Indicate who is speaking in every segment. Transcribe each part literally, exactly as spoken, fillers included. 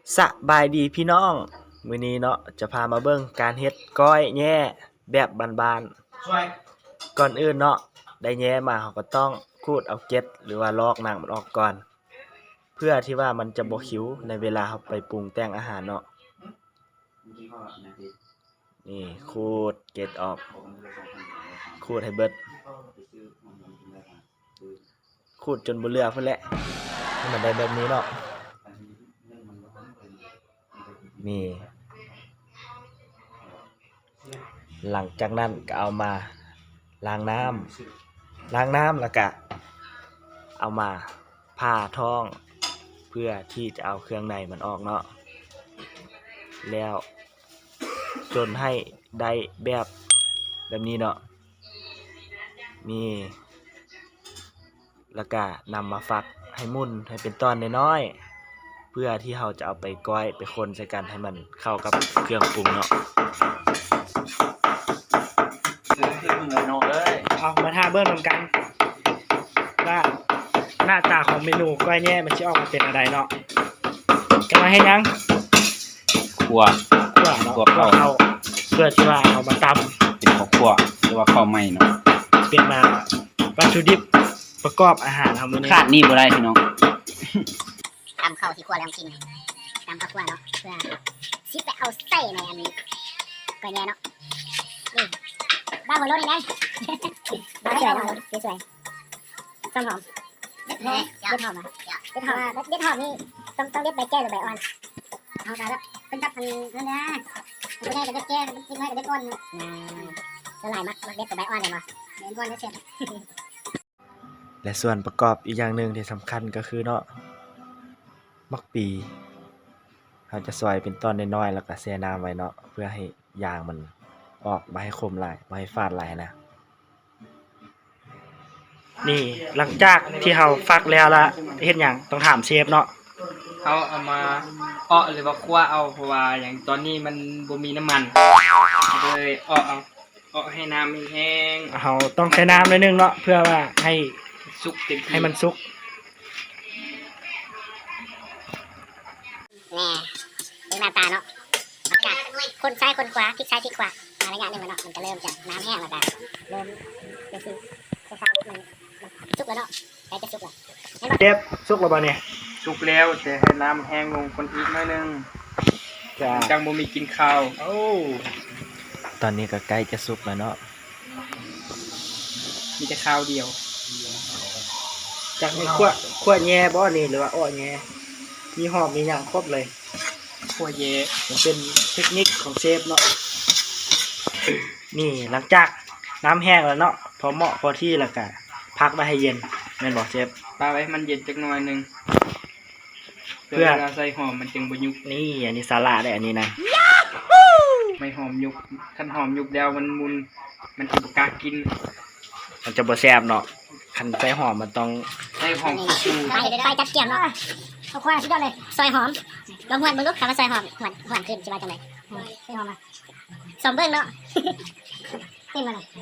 Speaker 1: สบายดีพี่น้องมื้อนี้เนาะจะพามาเบิ่งการเฮ็ดก้อยแย่แบบบ้านๆก่อนอื่นเนาะได้แย่มาเราก็ต้องขูดเอาเกล็ดหรือว่าลอกหนังมันออกก่อนเพื่อที่ว่ามันจะบ่คิ้วในเวลาเราไปปรุงแต่งอาหารเนาะนี่ขูดเกล็ดออกขูดให้เบิดขูดจนบ่เหลือพุ่นแหละให้มันได้แบบนี้เนาะนี่หลังจากนั้นก็เอามาล้างน้ำล้างน้ำแล้วก็เอามาผ่าท้องเพื่อที่จะเอาเครื่องในมันออกเนาะแล้วจนให้ได้แบบแบบนี้เนาะนี่แล้วก็นำมาฟักให้มุนให้เป็นตอนน้อยๆเพื่อที่เราจะเอาไปก้อยไปคนใส่กันให้มันเข้ากับเครื่องปรุงเนาะเอามาทาเบิ้งนำกันว่าหน้าตาของเมนูก้อยแย่มันจะออกมาเป็นอะไรเนาะจะมาให้ยัง
Speaker 2: ขั่ว
Speaker 1: ขั่วเนาะขั่วเข้าเพื่อที่ว่าเอามาตำ
Speaker 2: เป็นข้าวขั่วหรือว่าข้าวไหม้เนาะ
Speaker 1: เป็นมาวัตถุดิบประกอบอาหารทำมื้อนี้
Speaker 2: ขาดนี่บ่ได้พี่น้อง
Speaker 3: ตำข้าวที่ขั่วแล้วกินตำข้าวขั่วเนาะเพื่อสิไปเอาใส่ในอันนี้ก้อยแย่เนาะนี่บ้าหัวโล้นนี่ไงบ้าสวยเนาะสวยต้มหอมเด็ดหอมเด็ดหอมอ่ะเด็ดหอมเด็ดหอมนี่ต้องต้องเด็ดใบแก้หรือใบอ่อนเอาไปแล้วเป็นจับพันนั่นนะไม่ได้กับเด็ดแก้ไม่ได้กับเด็ดอ่อนนะละลายมักมักเด็ดกับใบอ่อนเลยมั้ยเด็ดอ่อนได้เสร็จ
Speaker 1: และส่วนประกอบอีกอย่างหนึ่งที่สำคัญก็คือเนาะมักปีเราจะซอยเป็นตอนน้อยๆแล้วก็แช่น้ำไว้เนาะเพื่อให้ยางมันออกมาให้คมหลายมาให้ฟาดหลายนะนี่หลังจากที่เราฟักแล้วละเฮ็ดหยังต้องถามเชฟเนาะ
Speaker 4: เขาเอามาเอ้อหรือว่าคั่วเอาเพราะว่าอย่างตอนนี้มันบ่มีน้ำมันเลยเอ้อเอาเอ้อให้น้ำมันแห้ง
Speaker 1: เราต้องใช้น้ำนิดนึงเนาะเพื่อว่าให้
Speaker 4: สุกเต็มที่
Speaker 1: ให้มันสุก
Speaker 3: แน่ดูหน้าตาเนาะอากาศคนซ้ายคนขวาพลิกซ้ายพลิกขวามาระยะหนึ่งมันเนาะมันก็เริ่มจากน้ำแห้งแล้วก็เริ่มเป็นสีคล้ายๆมันสุกแล้วเนาะใกล้จะสุกแล้ว
Speaker 1: เชฟสุกแล้วบ่เนี่ย
Speaker 4: สุกแล้วแต่ให้น้ำแห้งลงคนอีกหน่อยนึงจังบ่มีกินข้าว
Speaker 1: โอ้ตอนนี้ก็ใกล้จะสุกแล้วเนาะ
Speaker 4: มีแต่ข้าวเดียว
Speaker 1: จากนี้ขั้วขั้วแย่บ่นี่หรือว่าอ้อแย่มีหอมมีอย่างครบเลย
Speaker 4: คั่วแย่
Speaker 1: มันเป็นเทคนิคของเชฟเนาะนี่หลังจากน้ำแห้งแล้วเนาะพอเหมาะพอที่แล้วก็พักไว้ให้เย็นแม่นบ่เชฟ
Speaker 4: ปาไว้มันเย็นจักหน่อยนึงเพื่อเวลาใส่หอมมันจึงบ่ยุบ
Speaker 1: นี่อันนี้สาระได้อันนี้นะ
Speaker 4: ไม่หอมยุบคันหอมยุบแล้วมันมุนมันสิบ่กล้ากิน
Speaker 1: มันจะบ่แซ่บเนาะคันใส่หอมมันต้อง
Speaker 4: ใส่หอม
Speaker 3: ฟูไปไปจัดเกี่ยมเนาะเอาควายสุดยอดเลยซอยหอมลองหวนมึงลูกคำว่าซอยหอมหวนหวนขึ้นสิว่าจังได๋ซอยหอมมาสมเบิ่งเนาะขึ้นมาหน่อย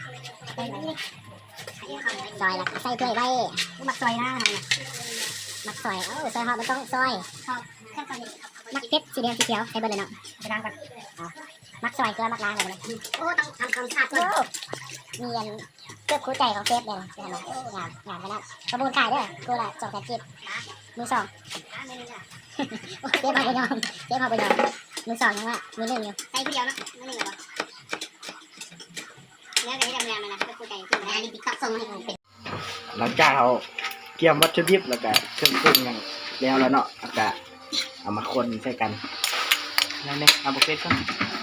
Speaker 3: ซอยละใส่ถ้วยไว้มักซอยนะมักซอยเอ้าซอยหอมมันต้องซอยมักเพชรสีแดงสีเขียวใส่เบิ่งเลยเนาะไปล้างก่อนมักซอยเกลือมักล้างเลยโอ้ต้องทำความสะอาดด้วยมีอันเกือบคู่ใจของเซฟเลยเห็นไหมงานงานไปแล้วประมูลขายด้วยกูละสองแสนจิตมือสองเซฟเอาไปยอมเซฟเอาไปยอมมือสองยังว่ามือหนึ่งอยู่ใส่ผู้เดียวเนาะมือหนึ่งเหรอเนื้อกันที่ทำงานมานะเกือบคู่ใจคืออันนี้ติ๊กต็อกส่งมาให้ผมเป็น
Speaker 1: หลังจากเราเกี่ยมวัตถุดิบแล้วก็เครื่องปรุงอย่างแล้วแล้วเนาะแล้วก็เอามาคนใส่กัน
Speaker 4: นั่นเนี่ยเอาบุฟเฟ่ก่อน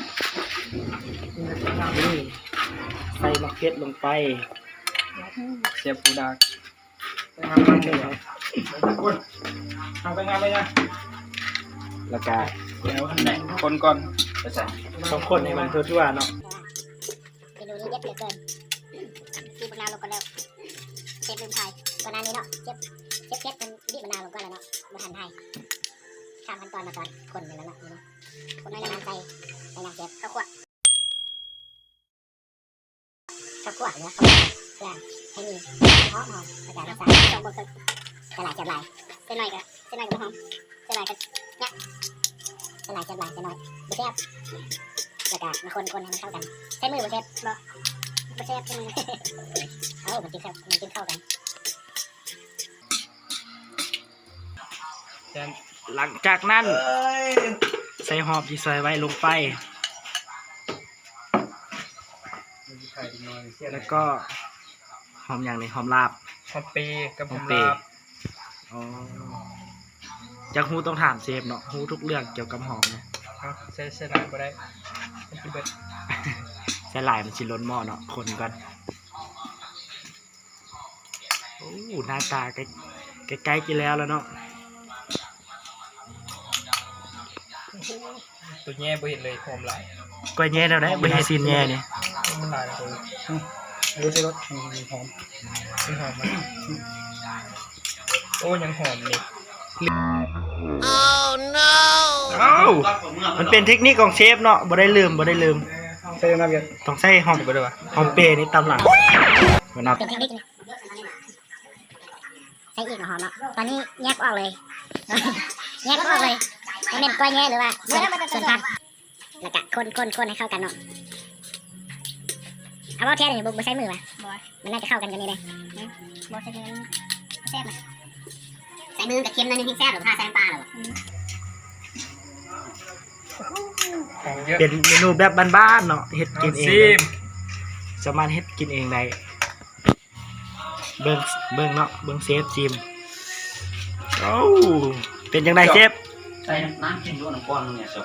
Speaker 1: นี่ใส่มะเขือลงไป
Speaker 4: เสียบปูดาก
Speaker 1: ทำไปงานทำไปงานเลยนะแล้วก็
Speaker 4: แล้วไหนคนก่อนไปใส่
Speaker 1: ต้องคนให้มันทั่วๆเนาะ
Speaker 3: เมนูนี้เด็ดเหลือเกินบีบมะนาวลงก่อนแล้วเชฟลืมไทยวันนั้นนี้เนาะเชฟเชฟเชฟเป็นบีบมะนาวลงก่อนแล้วเนาะมาหั่นไทยข้ามขั้นตอนมาก่อนคนไปแล้วเนาะคนน้อยน้ำใส่ใส่น้ำเชฟข้าวคั่วข้าวคั่วเนื้อข้าวคั่วเพื่อให้มีหอมหอมกระจายรสชาติสองบนตึกกระหลายจับหลายเส้นหน่อยกันเส้นหน่อยกันหอมเส้นหน่อยกันเนี่ยใส่หลายใส่หลายใส่น้อยบุเซ่บแล้วก็มาคนคนให้มันเข้ากันใช้มือบุเซ่บบ่บุเซ่บใช้มือเอ้ามันกินเข้ามันกินเข้ากัน
Speaker 4: แต่
Speaker 1: หลังจากนั้นใส่หอมที่ซอยไว้ลงไปแล้วก็หอมอย่างนี้หอมลาบ
Speaker 4: หอมเปรย์กับหอม
Speaker 1: เปร
Speaker 4: ลา
Speaker 1: ย์
Speaker 4: บ
Speaker 1: อ๋อจากฮูต้องถามเชฟเนาะฮูทุกเรื่องเกี่ยวกับหอมเนี่ย
Speaker 4: เอาใส่ใส่หลายบ่ได้มันสิเบิด
Speaker 1: ใส่หลายมันสิล้นหม้อเนาะคนก่อนโอ้หน้าตาใกล้ใกล้ๆกินแล้วแล้วเนาะ
Speaker 4: ตัวแย่บ่เห็นเลยหอมหลาย
Speaker 1: ก้อยแย่แล้วได้บ่ให้ซีนแย่นี่
Speaker 4: มันหลายเลย
Speaker 2: รู้สึกว่าหอม
Speaker 4: เป็นหอมมันโอ้ยังหอมเลย
Speaker 1: เอ้ามันเป็นเทคนิคของเชฟเนาะบ่ได้ลืมบ่ได้ลืม
Speaker 2: ใช่ไหมเบียร์
Speaker 1: ต้องใส่หอมไปด้วยวะหอมเปรย์นี่ตำหลังมันนับ
Speaker 3: เป็นเทคนิคนะใช้อีกหอมเนาะตอนนี้แยกออกเลย แยกออกเลยมันเป็นกล้วยแง่หรือว่าส่วนส่วนผักแล้วก็คนคนคนให้เข้ากันเนาะเอาว่าแค่นี้บุกมาใช้มือวะมันน่าจะเข้ากันกันนี่เลยบอใช้มือแซ่บใส่มือกับเค็มนั่นนี่แซ่บหรือผ้าใส่น้ำปลาหรอ
Speaker 4: หอมเยอะ
Speaker 1: เป็นเมนูแบบบ้านๆเนาะเฮ็ดกินเอง
Speaker 4: ซิม
Speaker 1: สามารถเฮ็ดกินเองได้เบิ่งเบิ่งเนาะเบิ่งเชฟจิมโอ้เป็นจังไดเชฟ
Speaker 2: ใส่น้ำกินด้วยน้ำก้อนเนี่ยจบ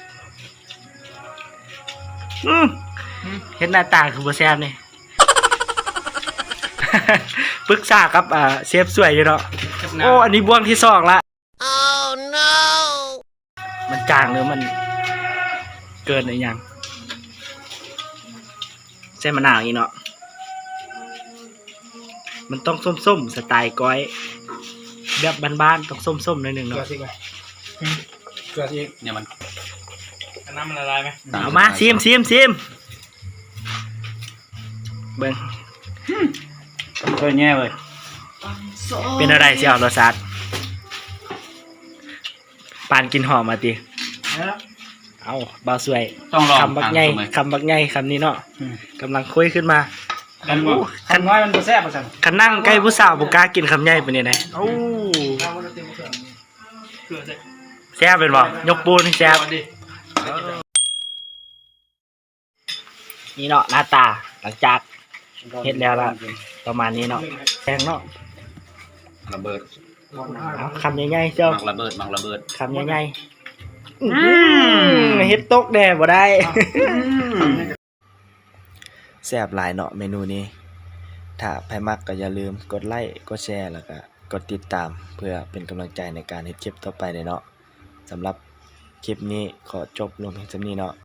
Speaker 1: อืมเฮ็ดหน้าตาคือบ่แซ่บนี่ ปรึกษากับอ่าเชฟสวยอยู่เนาะ
Speaker 4: กับ
Speaker 1: โอ้
Speaker 4: น้ำ
Speaker 1: อันนี้บ่วงที่สองละ oh no มันจางหรือมันเกินหรือยังใส่มะนาวอีกเนาะมันต้องส้มๆสไตล์ก้อยแบบบ้านๆต้องส้มๆหน่อยหนึง
Speaker 2: เกลือ
Speaker 1: เนาะ
Speaker 2: สิก่อนเกลือสิเนี่ยมัน
Speaker 4: เอาน้ำมันละลายไหม
Speaker 1: เอามาซิมซิมซิมเบิ่ง
Speaker 2: เกลือแง่เลย
Speaker 1: เป็นอะไรสิเอารสชาติปานกินหอมมาติเอาบ่าวสวย
Speaker 2: ต้องลอง
Speaker 1: คำบักใหญ่คำบักใหญ่คำนี้เนาะกำลังคุยขึ้นมา
Speaker 2: กันว่าคันน้อยมันบ่แซ่บมาสั่ง
Speaker 1: คันนั่งใกล้ผู้สาวบ่กล้ากินคำใหญ่ปานนี้นะโอ้
Speaker 4: เกลือใส่
Speaker 1: แซ่บเป็นบ่ยกปูนแซ่บ
Speaker 4: เอาดิ
Speaker 1: นี่เนาะหน้าตาหลังจากเฮ็ดแล้วล่ะประมาณนี้เนาะแพงเนาะ
Speaker 2: ระเบิด
Speaker 1: เอาคำใหญ่ๆเจ้า
Speaker 2: มักระเบิดมักระเบิด
Speaker 1: คำใหญ่ๆอื้อหือเฮ็ดตกแด่บ่ได้ แซ่บหลายเนาะเมนูนี้ ถ้าใครมักก็อย่าลืมกดไลค์กดแชร์แล้วก็กดติดตามเพื่อเป็นกำลังใจในการเฮ็ดคลิปต่อไปเนาะสำหรับคลิปนี้ขอจบลงเพียงเท่านี้เนาะ